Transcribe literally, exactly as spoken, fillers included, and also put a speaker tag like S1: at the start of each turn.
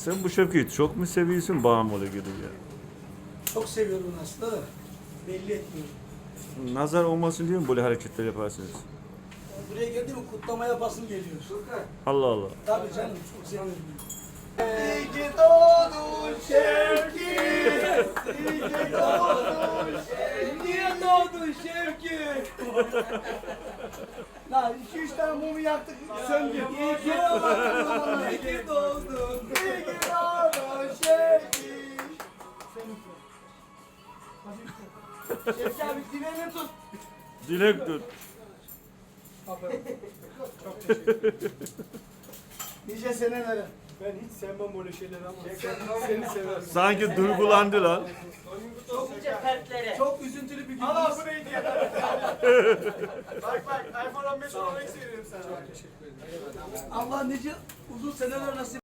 S1: Sen bu Şevki'yi çok mu seviyorsun, bağımlı gibi ya?
S2: Çok seviyorum aslında da belli etmiyorum.
S1: Nazar olmasın diye mi böyle hareketler yaparsınız?
S2: Buraya geldi mi kutlama yapasım geliyor.
S1: Allah Allah.
S2: Tabii canım çok seviyorum. İyi ki doğdun Şevki. İyi ki doğdun Şevki. Niye doğdun Şevki? Lan iki üç tane mumu yaktık söndü. İyi ki doğdun. İyi ki doğdun. İyi ki doğdun Şevki. Şevki abi dileğini tut.
S1: Dilek tut.
S2: Çok teşekkür ederim. Nice senelere.
S3: Ben hiç sevmem böyle şeyleri ama sen, seni severim.
S1: Sanki duygulandı lan.
S2: Çok, çok üzüntülü bir gün.
S3: Allah bu neydi ya? Bak bak iPhone on beş olarak veriyorum sana. Çok teşekkür ederim.
S2: Allah nice uzun seneler nasip